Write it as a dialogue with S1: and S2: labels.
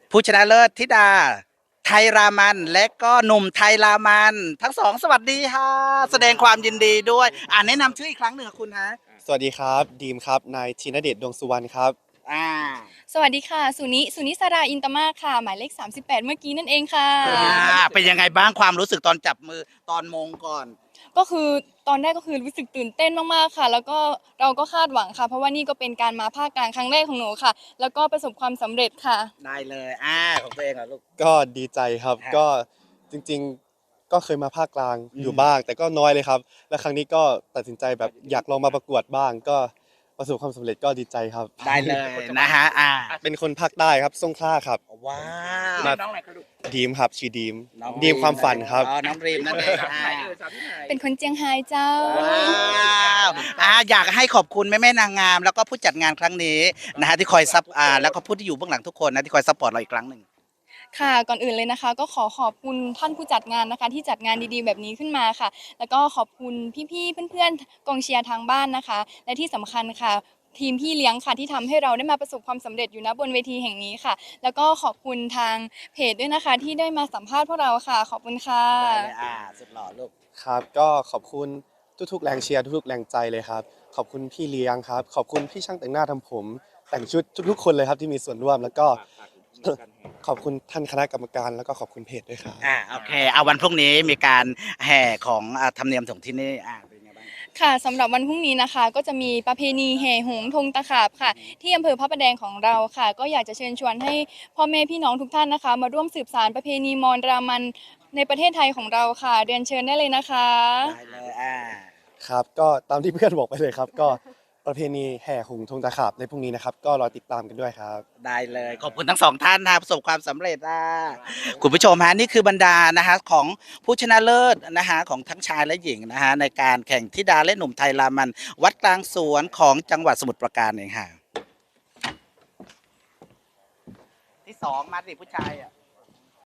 S1: ผู้ชนะเลิศธิดาไทยรามันและก็หนุ่มไทยรามันทั้งสองสวัสดีค่ะแสดงความยินดีด้วยแนะนำชื่ออีกครั้งหนึ่งคุณฮะ
S2: สวัสดีครับดีมครับนายธีนเดชดวงสุวรรณครับ
S1: อ่า
S3: สวัสดีค่ะสุนิสราอินตมากค่ะหมายเลข38เมื่อกี้นั่นเองค่ะ
S1: เป็นยังไงบ้างความรู้สึกตอนจับมือตอนมงก่อน
S3: ก็คือตอนแรกก็คือรู้สึกตื่นเต้นมากๆค่ะแล้วก็เราก็คาดหวังค่ะเพราะว่านี่ก็เป็นการมาภาคกลางครั้งแรกของหนูค่ะแล้วก็ประสบความสำเร็จค่ะ
S1: ได้เลยของตัวเองเหรอลูก
S2: ก็ดีใจครับ
S1: ฮะ
S2: ก็จริงๆก็เคยมาภาคกลาง
S1: อืม
S2: อยู่บ้างแต่ก็น้อยเลยครับและครั้งนี้ก็ตัดสินใจแบบอยากลองมาประกวดบ้างก็ประสบความสำเร็จก็ดีใจครับ
S1: ได้เลยนะฮะ
S2: เป็นคนภาคใต้ครับสงขลาครับ
S1: ว้าว
S2: มา
S1: น้องอะไรครับลูก
S2: ดีมครับชื่อดีม
S1: น้อง
S2: ดีมความฝันครับ
S1: น้องรีมนั่นเอง
S3: เป็นคนเจียงไฮ้เจ้า
S1: ว้าวอยากให้ขอบคุณแม่นางงามแล้วก็ผู้จัดงานครั้งนี้นะฮะที่คอยซับแล้วก็ผู้ที่อยู่เบื้องหลังทุกคนนะที่คอยซัพพอร์ตเราอีกครั้งหนึ่ง
S3: ค่ะก่อนอื่นเลยนะคะก็ขอบคุณท่านผู้จัดงานนะคะที่จัดงานดีๆแบบนี้ขึ้นมาค่ะแล้วก็ขอบคุณพี่ๆเพื่อนๆกองเชียร์ทางบ้านนะคะและที่สำคัญค่ะทีมพี่เลี้ยงค่ะที่ทำให้เราได้มาประสบความสำเร็จอยู่ณบนเวทีแห่งนี้ค่ะแล้วก็ขอบคุณทางเพจด้วยนะคะที่ได้มาสัมภาษณ์พวกเราค่ะขอบคุณค่ะ
S1: ได้เลยสุดหล่อลูก
S2: ครับก็ขอบคุณทุกๆแรงเชียร์ทุกๆแรงใจเลยครับขอบคุณพี่เลี้ยงครับขอบคุณพี่ช่างแต่งหน้าทำผมแต่งชุดทุกๆคนเลยครับที่มีส่วนร่วมแล้วก็ขอบคุณท่านคณะกรรมการแล้วก็ขอบคุณเพจด้วยครับ
S1: โอเคเอาวันพรุ่งนี้มีการแห่ของธรรมเนียมของที่นี่เป็นไงบ้าง
S3: ค่ะสำหรับวันพรุ่งนี้นะคะก็จะมีประเพณีแห่หงส์ธงตะขาบค่ะที่อำเภอพระประแดงของเราค่ะก็อยากจะเชิญชวนให้พ่อแม่พี่น้องทุกท่านนะคะมาร่วมสืบสานประเพณีมอญรามันในประเทศไทยของเราค่ะเรียนเชิญได้เลยนะคะ
S1: ได้เลย
S2: ครับก็ตามที่เพื่อนบอกไปเลยครับก็ประเพณีแห่หงส์ธงตะขาบในพรุ่งนี้นะครับก็รอติดตามกันด้วยครับ
S1: ได้เลยขอบคุณทั้งสองท่านนะประสบความสำเร็จคุณผู้ชมฮะนี่คือบรรดานะฮะของผู้ชนะเลิศนะฮะของทั้งชายและหญิงนะฮะในการแข่งธิดาและหนุ่มไทยรามันวัดกลางสวนของจังหวัดสมุทรปราการเองค่ะที่สองมาสิผู้ชาย